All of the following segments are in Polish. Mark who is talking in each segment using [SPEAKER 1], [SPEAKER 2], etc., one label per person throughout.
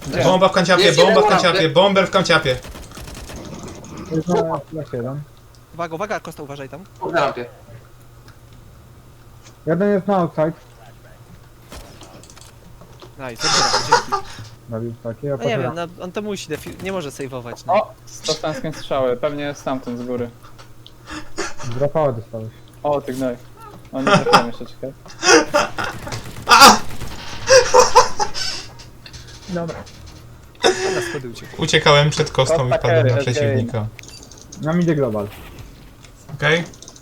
[SPEAKER 1] Bomba w kanciapie,
[SPEAKER 2] Jest
[SPEAKER 1] bomba w
[SPEAKER 2] jeden
[SPEAKER 1] kanciapie, bomber w kanciapie.
[SPEAKER 3] Jest na flash jeden.
[SPEAKER 4] Uwaga, uwaga, Kosta, uważaj tam.
[SPEAKER 2] Na rampie.
[SPEAKER 3] Jeden jest na outside.
[SPEAKER 4] Nice, dobra, dzięki.
[SPEAKER 3] Zabił taki, a
[SPEAKER 4] No nie
[SPEAKER 3] potem...
[SPEAKER 4] wiem, no, on to musi, nie może save'ować. No.
[SPEAKER 5] O! Dostałem skąd strzały, pewnie stamtąd z góry.
[SPEAKER 3] Zrapała dostałeś.
[SPEAKER 5] O, ty gnoj. O, nie trafiłem jeszcze, czekaj.
[SPEAKER 3] Dobra.
[SPEAKER 4] Na schody uciekł.
[SPEAKER 1] Uciekałem przed kostą i wpadłem na przeciwnika.
[SPEAKER 3] Nam idzie global.
[SPEAKER 1] Okej?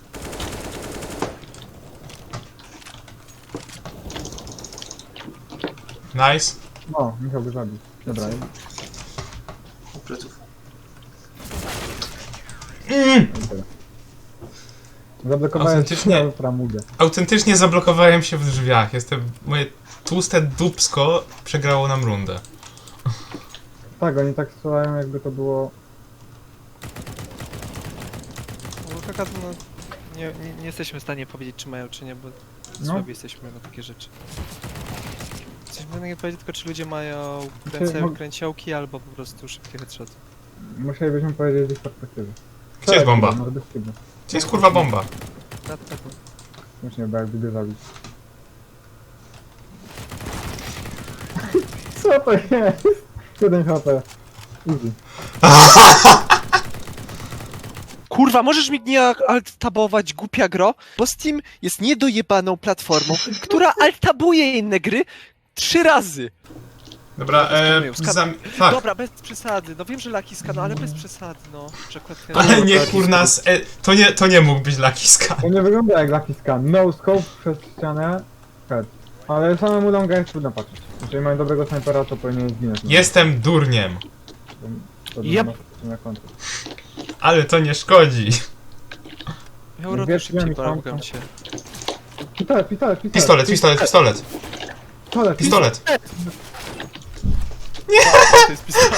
[SPEAKER 1] Nice.
[SPEAKER 3] No, musiał go zabić. Dobra.
[SPEAKER 2] Pleców.
[SPEAKER 3] Zablokowałem
[SPEAKER 1] Autentycznie.
[SPEAKER 3] się framugę.
[SPEAKER 1] Autentycznie zablokowałem się w drzwiach. Moje tłuste dupsko przegrało nam rundę.
[SPEAKER 3] Tak, oni tak strzelają jakby to było...
[SPEAKER 4] No, kaka, no, nie jesteśmy w stanie powiedzieć, czy mają, czy nie, bo
[SPEAKER 3] No.
[SPEAKER 4] słabi jesteśmy na takie rzeczy. Jesteśmy w stanie powiedzieć tylko, czy ludzie mają
[SPEAKER 3] Czy-
[SPEAKER 4] kręciołki, albo po prostu szybkie headshoty.
[SPEAKER 3] Musielibyśmy powiedzieć z ich perspektywy.
[SPEAKER 1] Gdzie jest bomba?
[SPEAKER 3] No, bez kibu.
[SPEAKER 1] Gdzie jest kurwa bomba?
[SPEAKER 4] Na pewno.
[SPEAKER 3] Już nie, bo jakby go zabić. Co to jest? 1 HP. Easy.
[SPEAKER 4] Kurwa, możesz mi nie alt-tabować, głupia gro? Bo Steam jest niedojebaną platformą, która alt-tabuje inne gry 3 razy.
[SPEAKER 1] Dobra, fuck.
[SPEAKER 4] Dobra, bez przesady. No wiem, że Lakiska, no ale bez przesady, no. Przykład
[SPEAKER 1] Ale nie kurna, to nie mógł być Lucky Scan.
[SPEAKER 3] To nie wygląda jak Lucky Scan. No scope przez ścianę. Head. Ale samemu longa jest trudno patrzeć. Jeżeli mają dobrego snajpera, to powinien zginąć.
[SPEAKER 1] Jestem durniem,
[SPEAKER 3] To
[SPEAKER 5] Yep.
[SPEAKER 3] na końcu.
[SPEAKER 1] ale to nie szkodzi.
[SPEAKER 4] Miał rotę
[SPEAKER 3] Wiesz,
[SPEAKER 4] szybciej,
[SPEAKER 3] ja
[SPEAKER 4] błagam
[SPEAKER 3] nie
[SPEAKER 4] cię.
[SPEAKER 3] Pistolet.
[SPEAKER 1] Pistolet.
[SPEAKER 3] Pistolet.
[SPEAKER 4] To jest pistolet.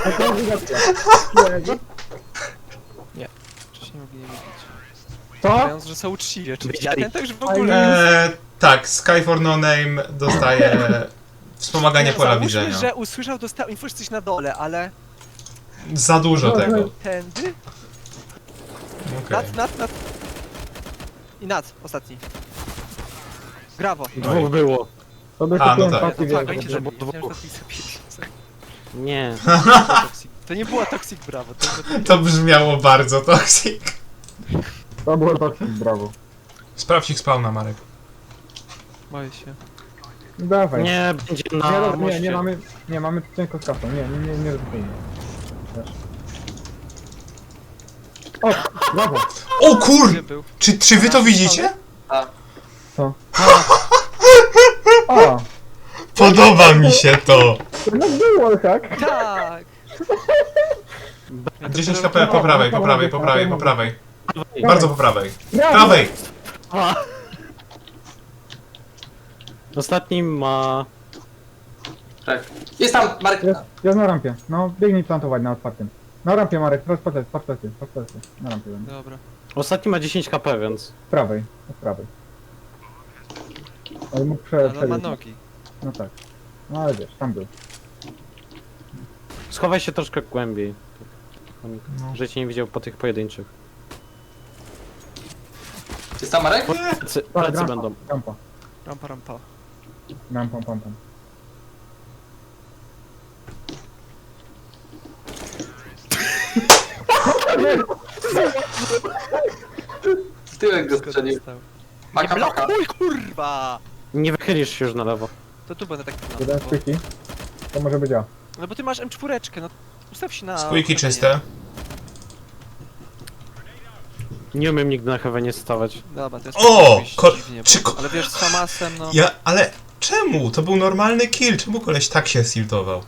[SPEAKER 4] Wcześniej mogli nie wiedzieć.
[SPEAKER 3] Co?
[SPEAKER 4] Mając, że są uczciwi, oczywiście. Ten także w ogóle...
[SPEAKER 1] Tak, Sky for No Name dostaje wspomaganie pola
[SPEAKER 4] Załóżmy,
[SPEAKER 1] widzenia.
[SPEAKER 4] że usłyszał, dostał info, że coś na dole, ale...
[SPEAKER 1] Za dużo tego.
[SPEAKER 4] Tędy?
[SPEAKER 1] Okej.
[SPEAKER 4] Nad. I nad, ostatni. Brawo.
[SPEAKER 6] Dwóch było.
[SPEAKER 3] To by
[SPEAKER 1] A, no
[SPEAKER 3] kupiłem
[SPEAKER 1] tak.
[SPEAKER 3] paski
[SPEAKER 4] Tak,
[SPEAKER 3] wielkie.
[SPEAKER 4] oni cię zabili.
[SPEAKER 6] dwóch.
[SPEAKER 4] Myślałem, że to zapisał.
[SPEAKER 6] Nie.
[SPEAKER 4] To nie była Toxic Brawo, to
[SPEAKER 1] To brzmiało bardzo toxic.
[SPEAKER 3] To było toxic, brawo.
[SPEAKER 1] Sprawdź ich spawna, Marek.
[SPEAKER 4] boję się.
[SPEAKER 3] Dawaj.
[SPEAKER 6] Nie, będzie
[SPEAKER 3] Nie,
[SPEAKER 6] na
[SPEAKER 3] nie,
[SPEAKER 6] moście.
[SPEAKER 3] mamy cienko z kasą. Nie ryzykujmy. Też. O, brawo.
[SPEAKER 1] O kur...
[SPEAKER 4] Gdzie był?
[SPEAKER 1] Czy wy to widzicie?
[SPEAKER 3] Co? A,
[SPEAKER 1] Podoba mi się to.
[SPEAKER 3] no był wallhack.
[SPEAKER 4] Tak!
[SPEAKER 1] 10 HP po prawej. Bardzo po prawej.
[SPEAKER 3] Brawo.
[SPEAKER 1] Prawej!
[SPEAKER 6] Ostatni ma...
[SPEAKER 2] Tak. Jest tam, Marek.
[SPEAKER 3] Jest na rampie. No, biegnij plantować na otwartym. Na rampie, Marek, teraz patrz. Na rampie będę.
[SPEAKER 4] Dobra.
[SPEAKER 6] Ostatni ma 10 HP, więc...
[SPEAKER 3] Z prawej, od prawej. Ale mógł
[SPEAKER 4] Ale on ma
[SPEAKER 3] przebiec.
[SPEAKER 4] nogi.
[SPEAKER 3] No tak. No ale wiesz, tam był.
[SPEAKER 6] Schowaj się troszkę głębiej.
[SPEAKER 1] No.
[SPEAKER 6] Że cię nie widział po tych pojedynczych.
[SPEAKER 2] Jest tam, Marek?
[SPEAKER 6] Plecy
[SPEAKER 3] rampa,
[SPEAKER 6] będą.
[SPEAKER 3] Rampa.
[SPEAKER 4] Rampa.
[SPEAKER 3] Pam.
[SPEAKER 2] W tyłek go strzelił.
[SPEAKER 4] Nie
[SPEAKER 2] Paka.
[SPEAKER 4] blokuj, kurwa!
[SPEAKER 6] Nie wychylisz się już na lewo.
[SPEAKER 4] To tu będę tak
[SPEAKER 3] Jeden z quickie. To może być ja.
[SPEAKER 4] No bo ty masz M4, no ustaw się na...
[SPEAKER 1] Squeaky czyste.
[SPEAKER 6] Nie umiem nigdy na heavenie stawać.
[SPEAKER 4] Dobra, to jest
[SPEAKER 1] O!
[SPEAKER 4] jakoś dziwnie,
[SPEAKER 1] czy
[SPEAKER 4] ale wiesz, z Famasem, no...
[SPEAKER 1] Ale czemu? To był normalny kill. Czemu koleś tak się siltował?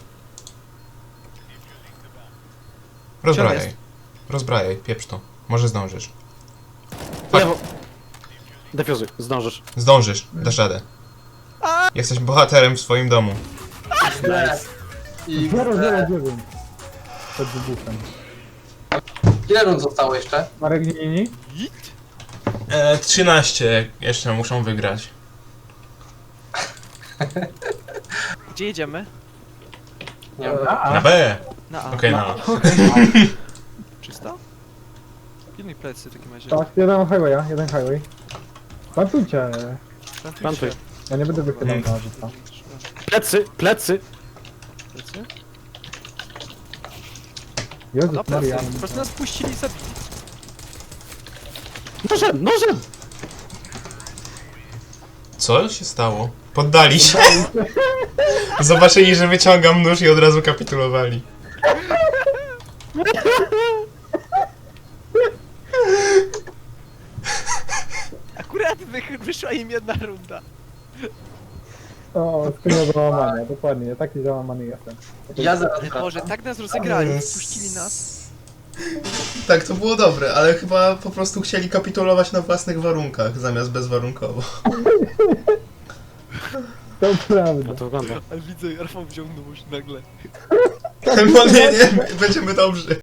[SPEAKER 1] Rozbrajaj, pieprz to. Może zdążysz.
[SPEAKER 6] Lewo! Defuzuj, zdążysz.
[SPEAKER 1] Zdążysz, dasz radę. Jesteś bohaterem w swoim domu.
[SPEAKER 2] I
[SPEAKER 3] 009. Przed wybuchem.
[SPEAKER 2] ile rund zostało jeszcze?
[SPEAKER 3] Marek, nie.
[SPEAKER 1] 13 jeszcze muszą wygrać.
[SPEAKER 4] Gdzie jedziemy?
[SPEAKER 2] Nie wiem.
[SPEAKER 1] Na B!
[SPEAKER 4] Na A.
[SPEAKER 1] Okej, na A.
[SPEAKER 4] Czysto? Pilnuj plecy w takim razie.
[SPEAKER 3] Tak, jeden highway. Plantujcie.
[SPEAKER 6] Plantuj.
[SPEAKER 3] Ja nie będę wychylał na rzuta.
[SPEAKER 6] Plecy, plecy!
[SPEAKER 4] Plecy?
[SPEAKER 3] Jezus
[SPEAKER 4] Na
[SPEAKER 3] Maria.
[SPEAKER 4] plecy. Po prostu nas puścili i zabili.
[SPEAKER 6] Nożem, nożem!
[SPEAKER 1] Co się stało? Poddali się. Zobaczyli, że wyciągam nóż i od razu kapitulowali.
[SPEAKER 4] Akurat wyszła im jedna runda.
[SPEAKER 3] O, skrzynia załamania, dokładnie, taki załamany jestem.
[SPEAKER 2] Ja zaraz
[SPEAKER 4] Ale
[SPEAKER 2] wracam.
[SPEAKER 4] Boże, tak nas rozegrali, puścili nas.
[SPEAKER 1] Tak, to było dobre, ale chyba po prostu chcieli kapitulować na własnych warunkach, zamiast bezwarunkowo.
[SPEAKER 3] To prawda.
[SPEAKER 6] No to wygląda.
[SPEAKER 4] Ale widzę, Rafał wziął nóż nagle.
[SPEAKER 1] No nie, będziemy dobrzy.